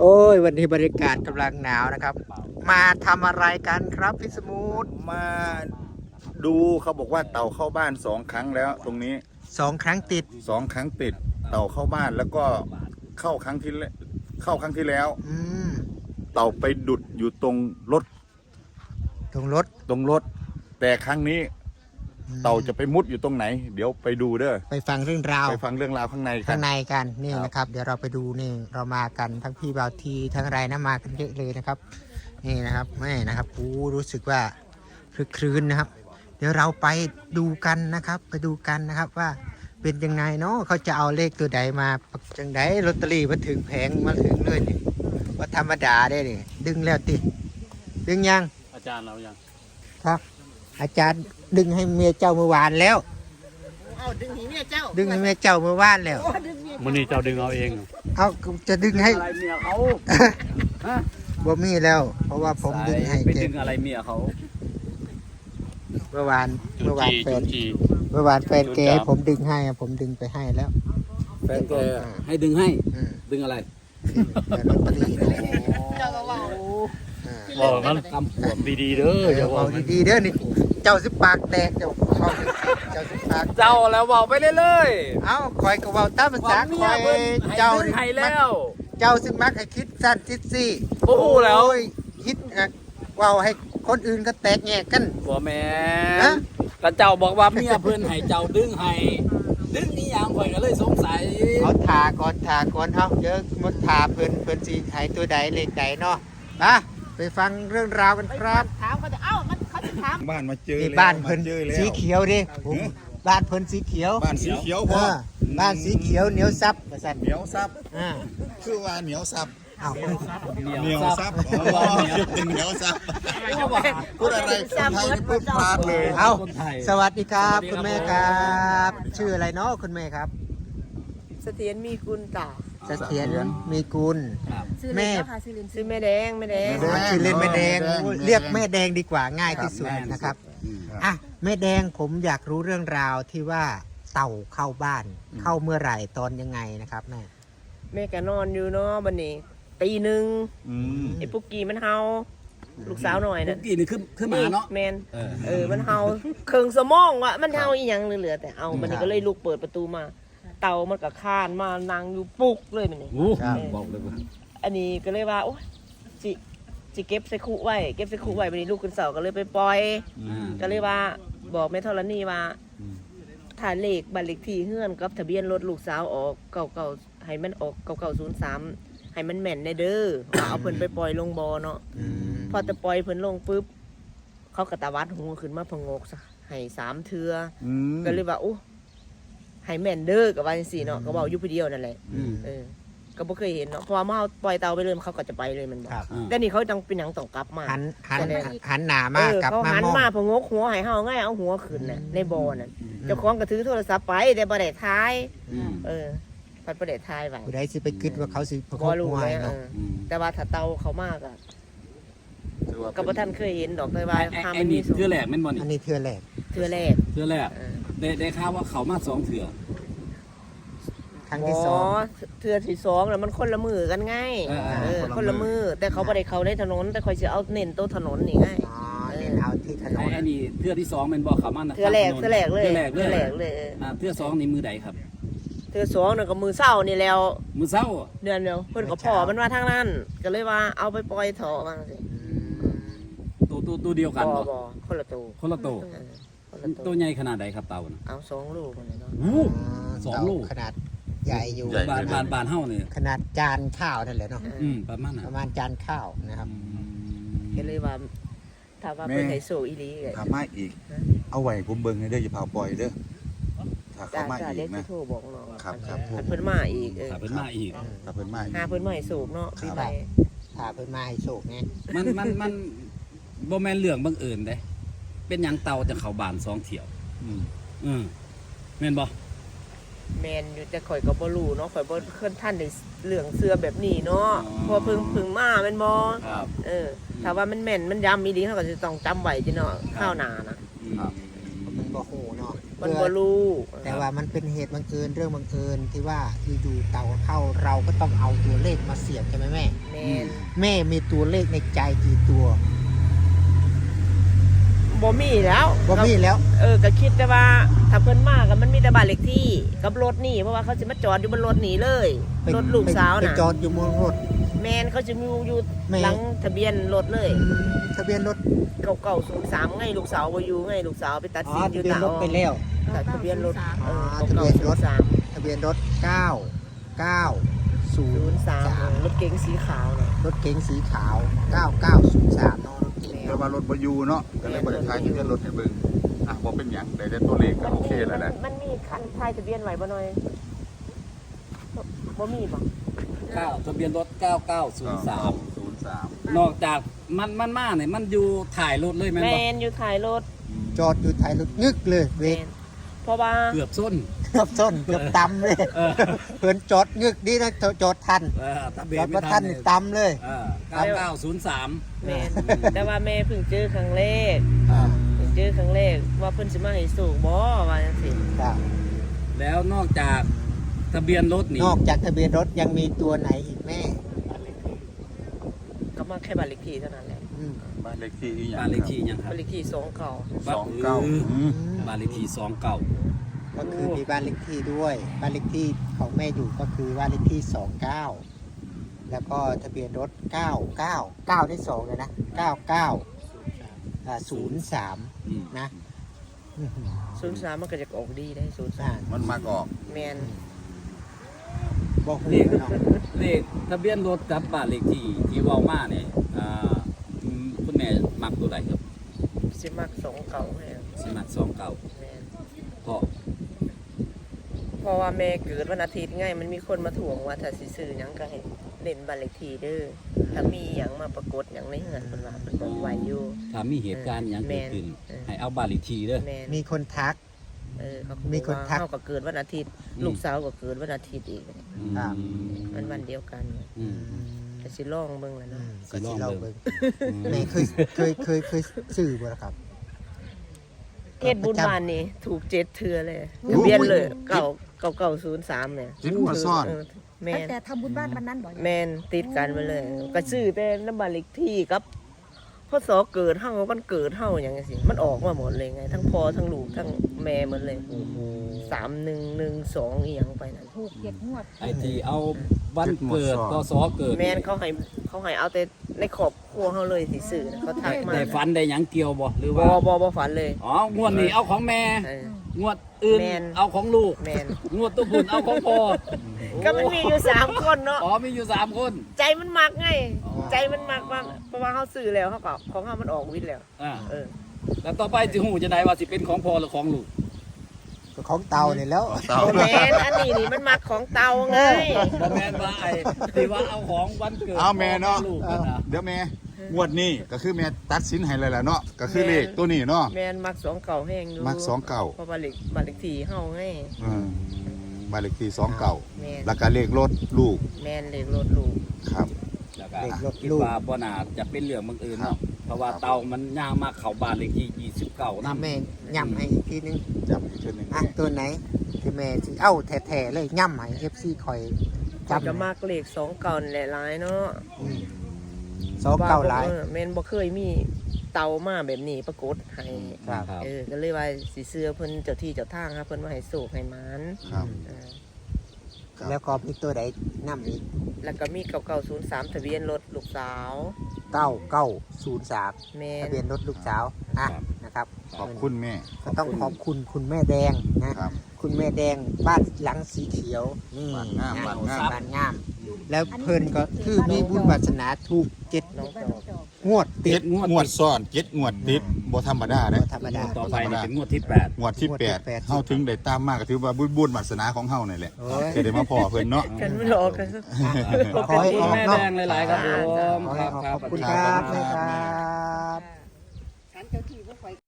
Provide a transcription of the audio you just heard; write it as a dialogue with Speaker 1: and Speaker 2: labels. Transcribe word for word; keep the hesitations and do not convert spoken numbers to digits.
Speaker 1: โอ้ยวันนี้บรรยากาศกำลังหนาวนะครับ มาทำอะไรกันครับพี่สมุทร
Speaker 2: มาดูเขาบอกว่าเต่าเข้าบ้านสองครั้งแล้วตรงนี้
Speaker 1: สองครั้งติด
Speaker 2: สองครั้งติดเต่าเข้าบ้านแล้วก็เข้าครั้งที่เข้าครั้งที่แล้ว
Speaker 1: อืม
Speaker 2: เต่าไปดุดอยู่ตรงรถ
Speaker 1: ตรงรถ
Speaker 2: ตรงรถแต่ครั้งนี้เต่าจะไปมุดอยู่ตรงไหนเดี๋ยวไปดูเด้อ
Speaker 1: ไปฟังเรื่องราว
Speaker 2: ไปฟังเรื่องราวข้างในกัน
Speaker 1: ข้างในกันนี่นะครับเดี๋ยวเราไปดูนี่เรามากันทั้งพี่บาวทีทั้งอะไรนะมากันเยอะเลยนะครับนี่นะครับแม่นะครับกูรู้สึกว่าคลึกครื้นนะครับ เดี๋ยวเราไปดูกันนะครับ ไปดูกันนะครับว่าเป็นยังไงเนาะเขาจะเอาเลขตัวใดมาจังไดลอตเตอรี่มาถึงแผงมาถึงเลยนี่ว่าธรรมดาได้นี่ดึงแล้วติดึงยัง
Speaker 3: อาจารย์เรายัง
Speaker 1: ครับอาจารย์ดึงให้เมียเจ้าเมื่อวานแล้ว
Speaker 4: เอาดึงให้เมียเจ้า
Speaker 1: ดึงให้เมียเจ้าเมื่อวานแล้ว
Speaker 3: มันนี่เจ้าดึงเอาเอง
Speaker 1: เอาจะดึงให้
Speaker 3: อะไรเมียเขา
Speaker 1: บ่มีแล้ว เพราะว่าผมดึงให้
Speaker 3: ไปดึงอะไรเมียเขา
Speaker 1: เมื่อวานเมื่อวานแฟนเมื่อวานแฟนแกให้ผมดึงให้ผมดึงไปให้แล้ว
Speaker 3: แฟนแกให้ดึงให้ดึงอะไร
Speaker 1: ลอตเตอรี่
Speaker 4: เจ้าก็ว่า
Speaker 3: บอกมันกำขวมดีๆเด้อ
Speaker 1: อย่าบอกดีๆเด้อนี่เจ้าสิปากแตกเจ้าเจ้าสิปาก
Speaker 3: เจ้าแล้วบอกไปเรื่อย
Speaker 1: ๆเอ้าคอยก็เว้าตามภาษาคอยเจ้า
Speaker 3: ให้แล้ว
Speaker 1: เจ้าซึ่งมักให้คิดสั้นคิดซี่
Speaker 3: โอ้โหแล้ว
Speaker 1: คิดเว้าให้คนอื่นก็แตกแยกกัน
Speaker 3: บ่แม่นแต่เจ้าบอกว่าเมียเพิ่นให้เจ้าดึงให้ดึงนี่อย่างข่อยก็เลยสงสัย
Speaker 1: เอาทาก่อนทาก่อนเฮาเดี๋ยวมดทาเพิ่นเพิ่นสิให้ตัวใดเลขใดเนาะมาไปฟังเรื่องราวกันครับ
Speaker 4: ถามเขาจะเอ้ามันเขาจะถาม
Speaker 2: บ้านมาเจอ
Speaker 1: บ้านเพิ่นสีเขียวดิผมบ้านเพิ่นสีเขียว
Speaker 2: บ้านสีเขียวพอ
Speaker 1: บ้านสีเขียวเหนียวซับว่าซั่น
Speaker 2: เหนียวซับ
Speaker 1: อ่า
Speaker 2: คือว่าเหนียวซับ
Speaker 1: อ้าว
Speaker 2: เหนียวซับอ๋อเหนียวซับพูดอะไรคนไทยนี่พูดพลาดเลย
Speaker 1: เอ้าสวัสดีครับคุณแม่ครับชื่ออะไรเนาะคุณแม่ครับ
Speaker 4: เสถียรมีกุลต่อ
Speaker 1: เสถียรมีกุลแม่
Speaker 4: ชื่อแม่แดงแม่แดง
Speaker 1: ชื่อเล่นแม่แดงเรียกแม่แดงดีกว่าง่ายที่สุดนะครับอ่ะแม่แดงผมอยากรู้เรื่องราวที่ว่าเต่าเข้าบ้านเข้าเมื่อไหร่ตอนยังไงนะครับแม่
Speaker 4: แม่ก็นอนอยู่เนาะบัดนี้ตีหนึ่งไอ้ปุ๊กกี้มันเฮาลูกสาวหน่อยน่ะ
Speaker 3: ปุ๊กกี้นี่ขึ้นขึ้นมาเนาะ
Speaker 4: แมนเออมันเฮาเครื่องสมองว่ะมันเฮาอีหยังเหลือแต่เอาบัดนี้ก็เลยลุกเปิดประตูมาเต่ามันก็คานมานั่งอยู่ปุกเลยมันนี่
Speaker 3: บอกเลยว่า
Speaker 4: อันนี้ก็เลยว่าโอ้ยจิจิเก็บใส่คุไว้เก็บใส่คุไว้บัดนี้ลูกขึ้นเสาก็เลยไปปล่อยก็เลยว่าบอกแม่ธรณีว่าถ่ายเลขบัตรเลขที่เฮือนกับทะเบียนรถลูกสาวออกเก่าๆให้มันออกเก่าๆศูนย์สามให้มันแม่นในเด้อว่าเอาเพิ่นไปปล่อยลงบ่อเนาะพอจะปล่อยเพิ่นลงปุ๊บเขากระตาวัดหูขึ้นมาพงกซะให้สามเทือก็เลยว่าโอ้ให้แม่นเด้อกับว่าจังซี่เนาะก็เว้าอยู่ผู้เดียวนั่นแหละเออก็บ่เคยเห็นเนาะเพราะว่ามาปล่อยเต่าไปเลยเขาก็จะไปเลยมันบอกแต่นี่เขาจังเป็นหยังต้องกลับมา
Speaker 1: หันหันหันหน้ามากลับมา
Speaker 4: เขาหันมาพงกหัวให้เฮาง่ายเอาหัวขึ้นน่ะในบ่อนั่นเจ้าของก็ถือโทรศัพท์ไปแต่บ่ได้ถ่ายเออพัดบ่ได้ถ่ายไว้
Speaker 1: ผู้ใดสิไปคิดว่าเขาสิพกหัวให้เนาะ
Speaker 4: แต่ว่าถ้าเต่าเขามากอ่ะก็บ่ทันเคยเห็นดอกแต่ว่า
Speaker 3: ทำมันมีเทื่อแรกแม่นบ่นี่
Speaker 1: อันนี้เทื่อแรก
Speaker 4: เทื่อแรก
Speaker 3: เทื่อแรกได้ได้ข่าวว่าเขามาสองเทื่อ
Speaker 1: ครั้งที่สอง
Speaker 4: เทื่อที่สองแล้วมันคนละมือกันไงเออคนละมือแต่เขาบ่ได้เข้าในถนนแต่คอยสิเอาเน้นโต๊ะถนนนี่ไง
Speaker 1: อ๋อเน้นเอาที่ถนน
Speaker 3: ไอ้นี่เทื่อที่สองแม่นบ่เขามา
Speaker 4: เทื่อแรกเทื่อแรกเลย
Speaker 3: เทื่อแรก
Speaker 4: เลย
Speaker 3: อ่าเทื่อสองนี่มือใดครับ
Speaker 4: เทื่อสองนั่นก็มือเช้านี่แล้ว
Speaker 3: มือเช้า
Speaker 4: เดือนเดียวเพิ่นก็พ่อมันว่าทางนั้นก็เลยว่าเอาไปปล่อยเถาะว่าจังซี่
Speaker 3: ตัวตัวตัวเดียวกันบ่
Speaker 4: บ่คนละตัว
Speaker 3: คนละตัวตัวใหญ่ขนาดใดครับเต่าน่ะ
Speaker 4: เอาสองลูกเลยเนาะ
Speaker 3: โอ้สองลูก
Speaker 1: ขนาดใหญ่อยู่
Speaker 3: บานบานบานเฮานี่
Speaker 1: ขนาดจานข้าวนั่นแหละเนาะ
Speaker 3: อืมประมาณนั้น
Speaker 1: ประมาณจานข้าวนะครับ
Speaker 4: ก็เลยว่าถ้าว่าเป็นไฮโซอีหลีก็
Speaker 2: ถ้ามาอีกเอาไว้ผมเบิ่งให้เด้ออย่าเผาปล่อยเด้อถ้าเขามาอีกนะ
Speaker 4: โทรบอกเนาะ
Speaker 2: ครับครับ
Speaker 4: เพิ่นมาอีกเออ
Speaker 3: ถ้าเพิ่นมาอีก
Speaker 2: ถ้าเพิ่นมาอีก
Speaker 4: หาเพิ่นมาให้สูบเนาะพี่ใบ
Speaker 1: ถ้าเพิ่นมาให้สูบไง
Speaker 3: มันมันมันบ่แม่นเรื่องบังเอิญเด้เป็นหยังเต่าจะเข้าบ้านสองเที่ยวอืมอืมแม่นบ่
Speaker 4: แมนอยู่แต่ข่อยก็บ่รู้เนาะข่อยบ่เคยท่านได้เรื่องเสื้อแบบนี้เนาะพอเพิ่งเพิ่งมาแม่นบ่
Speaker 3: ครับ
Speaker 4: เออถ้าว่ามันแม่นมันย้ำอีหลีเฮาก็สิต้องจำไว้จิเนาะข้าวหน้านะครับ
Speaker 1: มันบ่ฮู้เนาะ
Speaker 4: มันบ่รู้
Speaker 1: แต่ว่ามันเป็นเหตุบังเอิญเรื่องบังเอิญที่ว่าอยู่ๆเต่าเข้าเราก็ต้องเอาตัวเลขมาเสียบใช่ไหมแม่
Speaker 4: แม่น
Speaker 1: แม่มีตัวเลขในใจกี่ตัว
Speaker 4: บ่มีแล้ว
Speaker 1: บ่มีแล้ว
Speaker 4: เออก็คิดแต่ว่าถ้าเพิ่นมาก็มันมีแต่บ้านเลขที่กับรถนี่เพราะว่าเขาสิมาจอดอยู่บนรถนี่เลย
Speaker 1: ไป
Speaker 4: รถลูกสาว
Speaker 1: ไป
Speaker 4: น่ะ
Speaker 1: จอดอยู่บนรถ
Speaker 4: แมนเขาจะมีอยู่
Speaker 1: แม่
Speaker 4: หลังทะเบียนรถเลย
Speaker 1: ทะเบียนรถ
Speaker 4: เก่าๆศูนย์สามไงลูกสาวบ่อยู่ไงลูกสาวไปตัด
Speaker 1: อ๋อ
Speaker 4: สินอ
Speaker 1: ทะ
Speaker 4: ยู่
Speaker 1: เบียน
Speaker 4: ตาร
Speaker 1: ถไปแล้ว
Speaker 4: ทะเบียนรถเออ
Speaker 1: ทะเบี
Speaker 4: เก่าย
Speaker 1: น
Speaker 4: ๆศู
Speaker 1: ร
Speaker 4: น
Speaker 1: ถ
Speaker 4: ย์สาม
Speaker 1: ทะเบียนรถเก้า เก้า ศู
Speaker 4: ศู
Speaker 1: น
Speaker 4: น
Speaker 1: ย์
Speaker 4: ย์สามรถเก๋งสีขาวน่ะ
Speaker 1: รถเก๋งสีขาว เก้า เก้า ศูนย์ สามเนาะรถเก๋ง
Speaker 2: แต่ว่ารถบ่อยู่เนาะก็เลยบ่ได้ทายทะเบียนรถให้เบิ่งอ่ะบ่เป็นหยังได้แต่ตัวเลขก็โอเคแล้วแหละ
Speaker 4: มันมีคันทายทะเบียนไว้บ่หน่อยบ่มีบ่
Speaker 3: เก้าทะเบียนรถเก้าเก้าศูนย์สาม
Speaker 2: ศูนย์สาม
Speaker 3: นอกจากมันมันมาเนี่ยมันอยู่ถ่ายรถเลยแม่น
Speaker 4: แม
Speaker 3: บ่
Speaker 4: นอยู่ท้ายรถ
Speaker 1: จอดอยู่ท้ายรถงึกเลยเว
Speaker 4: แม
Speaker 1: ก
Speaker 4: นเพราะว่า
Speaker 3: เกือบส้น
Speaker 1: เกือบส้นเกือบตำเลย
Speaker 3: เออ
Speaker 1: เพื่อนจอดงึกดีนะจอดทัน
Speaker 3: เออทะเบี
Speaker 1: จ
Speaker 3: ย
Speaker 1: อน ด
Speaker 3: ไม่
Speaker 1: มา
Speaker 3: ทั
Speaker 1: ทั
Speaker 3: น
Speaker 1: น
Speaker 3: เนี่
Speaker 1: นี่
Speaker 3: ย
Speaker 1: ตำเลย
Speaker 3: เออเก้าเก้าศูนย์สาม
Speaker 4: แมนแต่ว่าแม่เพิ่งเจอครั้งแรก
Speaker 1: ครับ
Speaker 4: เพิ่งเจอครั้งแรกว่าเพิ่นสิมาให้สูกบ่ว่าจังซี่
Speaker 1: ครับ
Speaker 3: แล้วนอกจากทะเบียนรถนี่
Speaker 1: นอกจากทะเบียนรถยังมีตัวไหนอีกแม่
Speaker 4: ก็มาแค่บ้านเลขที่เท่านั้นแหละ
Speaker 1: อืม
Speaker 2: บ้านเลขที่อีหยัง
Speaker 3: บ้านเลขที่ยังครั
Speaker 4: บ้า
Speaker 3: บ
Speaker 4: นเลขที่สองเก่า
Speaker 2: สองเก้าอืม
Speaker 3: บ้านเลขที่สองเก้า
Speaker 1: ก็คือมีบ้านเลขที่ด้วย บ้านเลขที่ของแม่อยู่ก็คือบ้านเลขที่สองเก้าแล้วก็ทะเบียนรถเก้าเก้าเก้าได้สองเลยนะเก้าเก้าอ่าศูนย์สามนะอื้อหือ
Speaker 4: ศูนย์สามมันก็จะออกดีได้ศูนย์สา
Speaker 1: อ่าม
Speaker 2: มันมากออก
Speaker 4: แมน
Speaker 1: บอก
Speaker 3: เล
Speaker 1: เล
Speaker 3: ข
Speaker 1: ขเนาะ
Speaker 3: เลขทะเบียนรถกับบ้านเลขที่ที่เว้ามาเนี่ยอ่าอืมคุณแม่มักตัวใดครับ
Speaker 4: สิมักสองเก่าให้
Speaker 3: สิมักสองเก้า
Speaker 4: แมน
Speaker 3: เพราะ
Speaker 4: เพราะว่าแม่เกิดวันอาทิตย์ไงมันมีคนมาถ่วงว่าถ้าสิซื้อหยังก็ให้เล่นบ้านเลขที่เด้อถ้ามีหยังมาปรากฏหยังในเฮือนเพิ่นว่าเพิ่นบอกไว้อยู่
Speaker 3: ถ้ามีเหตุการณ์อย่างเกิดขึ้น
Speaker 4: เออ
Speaker 3: ให้เอาบ้านเลขที่เด้อ
Speaker 4: แมน
Speaker 1: มีคนทัก
Speaker 4: เออเขา
Speaker 1: มี
Speaker 4: มี
Speaker 1: คนทัก
Speaker 4: เฮาก็เกิดวันอาทิตย์
Speaker 3: อืม
Speaker 4: ลูกสาวก็เกิดวันอาทิตย์อีก
Speaker 1: ครับ
Speaker 4: มันวันเดียวกัน
Speaker 3: อืม
Speaker 4: ก็สิลองเบิ่งแหล้ว
Speaker 1: อื
Speaker 4: เนาะ
Speaker 1: มก็สิเราเบิ่ง
Speaker 3: อืม
Speaker 1: แม่เคยเคยเคยเคยซื้อบ่ล่ะครับ
Speaker 4: เฮ็ดบุญบ้านนี่ถูกเจ็ดเทื่อเลยทะเบียนเลยเก่าเก่าเก่าศูนย์สามเนี่ย
Speaker 2: จิตหัวซ่อน
Speaker 4: เแม
Speaker 5: ตั้ง
Speaker 4: น
Speaker 5: แต่ทำบุญบ้านวันนั้นบ่อย
Speaker 4: แมนติดกันมาเลย ก็ซื้อแต่น้ำบัตรเลขที่กับพ่อสอเกิดเฮาวันเกิดเฮาอย่างงี้สิมันออกมาหมดเลยไง ทั้งพ่อทั้งลูกทั้งแม่หมดเลยสามหนึ่งหนึ่งสองอีหยังไปนั่น
Speaker 5: ถูกเจ็ดงวด
Speaker 3: ไอ้ที่เอาวันเกิดพศเกิด
Speaker 4: แมนเขาให้เขาให้เอาแต่ในครอบครัวเฮาเลยสิซื้อนะเขาทักมา
Speaker 3: ได้ฝันได้หยังเกี่ยวบ่หรือ
Speaker 4: บ่
Speaker 3: ว่า
Speaker 4: บ่บ่ฝันเลย
Speaker 3: อ๋องวดนี้เอาของแม่
Speaker 4: เออ
Speaker 3: งวดอื่น
Speaker 4: แม่น
Speaker 3: เอาของลูก
Speaker 4: แมน
Speaker 3: งวดตัวพุ่นเอาของพ่อ
Speaker 4: ก็มันมีอยู่สามคนเนาะ
Speaker 3: อ๋อมีอยู่สามคน
Speaker 4: ใจมันมักไง ใจมันมักมากเพราะว่าเขาซื้อแล้วเขาก็ของเขามันออกวิทย์แล้ว
Speaker 3: อ่า
Speaker 4: เออ
Speaker 3: แล้วต่อไปสิหูจะได้ว่าสิเป็นของพ่อหรือของลูก
Speaker 1: ก็ของเตาเนี่ยแล้ว
Speaker 2: เตา
Speaker 4: โอแมนอันนี้นี่มันมักของเตาไง
Speaker 3: บ่แม่นว่าไอ้ที่ว่าเอาของวันเกิด
Speaker 2: เอาแม่เนาะ
Speaker 3: ของลูกนั่นน่ะ
Speaker 2: เดี๋ยวแม่งวดนี้ก็คือแม่ตัดสินให้เลยแหละเนาะก็คือเลขตัวนี้เนาะ
Speaker 4: แมนมักสองเก่าแห้งอยู่
Speaker 2: มักสองเก่า
Speaker 4: เพราะว่าเล็กบัตรเล็กทีเฮาไง
Speaker 2: อืมบ้านเลขที่สองเก่า
Speaker 4: แม่น
Speaker 2: แล้วก็เลขรถลูก
Speaker 4: แมนเล็กรถลูก
Speaker 2: ครับ
Speaker 3: แล้วก็
Speaker 1: เด็กรถ
Speaker 3: คิด
Speaker 1: ลูก
Speaker 3: ว่าบ่น่าจะเป็นเรื่องบังเอิญ
Speaker 2: ครั
Speaker 3: เนาะ
Speaker 2: บ
Speaker 3: เพราะว่าเตามันย่างมาเข้าบ้านเลขที่ยี่สิบเก้า
Speaker 1: น้ำ
Speaker 3: นำ
Speaker 1: แม่ย่ำให้อีกทีนึง
Speaker 2: จำอีกชุดหนึ่ง
Speaker 1: อ่ะตัวไหนที่แม่สิเอ้าแท้ๆเลยย่ำให้ เอฟ ซี คอย
Speaker 4: จะ
Speaker 1: จำ
Speaker 4: มักเลขสองเก่านี่แหละหลายเนาะ
Speaker 1: อืมสองเก้าหลาย
Speaker 4: ออแมนบ่เคยมีเตามาแบบนี้ปรากฏให้
Speaker 1: ครับ
Speaker 3: ครับ
Speaker 4: เออก็เลยว่าสิเสื้อเพิ่นเจ้าที่เจ้าทางครับเพิ่นว่าให้โศกให้หมาน
Speaker 2: ครับ
Speaker 4: เออ
Speaker 2: ครับ
Speaker 1: แล้วก็มีตัวใดน้ำอีก
Speaker 4: แล้วก็มีเก่าๆศูนย์สามทะเบียนรถลูกสาว
Speaker 1: เก้าเก้าศูนย์สาม
Speaker 4: แม่
Speaker 1: ทะเบียนรถลูกสาวอ่ะ
Speaker 3: ครับ
Speaker 1: นะครับ
Speaker 2: ขอบคุณแม่
Speaker 1: ก็ต้องขอบคุณคุณแม่แดงนะครับ คุณแม่แดงบ้านหลังสีเขียวนี่
Speaker 2: บ้านงาม
Speaker 1: นะ
Speaker 2: บ้านงาม
Speaker 1: บ้านงาม แล้วเพิ่นก็คือมีบุญวาสนาถูกเจ็ด
Speaker 4: น้อง
Speaker 5: บ้าน
Speaker 4: จอก
Speaker 5: จอก
Speaker 1: งวดติ
Speaker 2: เจ็
Speaker 1: ด
Speaker 2: ดงวดซ้อนเจ็ดงวดติดบ่ธรรมดาเด้
Speaker 1: บ่ธรรมดา
Speaker 3: ต่อไปนี่เป็นงวดที่แปด
Speaker 2: งวดที่
Speaker 1: งวดที่
Speaker 2: แปด
Speaker 1: แปด
Speaker 2: เฮาถึงได้ตามมากก็ถือว่าบุญบุญวาสนาของเฮานี่แหละ
Speaker 1: โอ้ย
Speaker 2: จะได้มาพอเพิ่นเนาะ
Speaker 4: กันไม่รอกัน
Speaker 3: ขอบคุณแม่แดงหลายๆครับผม
Speaker 1: ขอให้
Speaker 3: ครับ
Speaker 1: ขอบ
Speaker 3: ครับ
Speaker 1: คุณ
Speaker 3: ส
Speaker 1: ค
Speaker 3: วัสดี
Speaker 1: รับ
Speaker 3: ค
Speaker 1: นะ
Speaker 3: รับ
Speaker 1: ครับ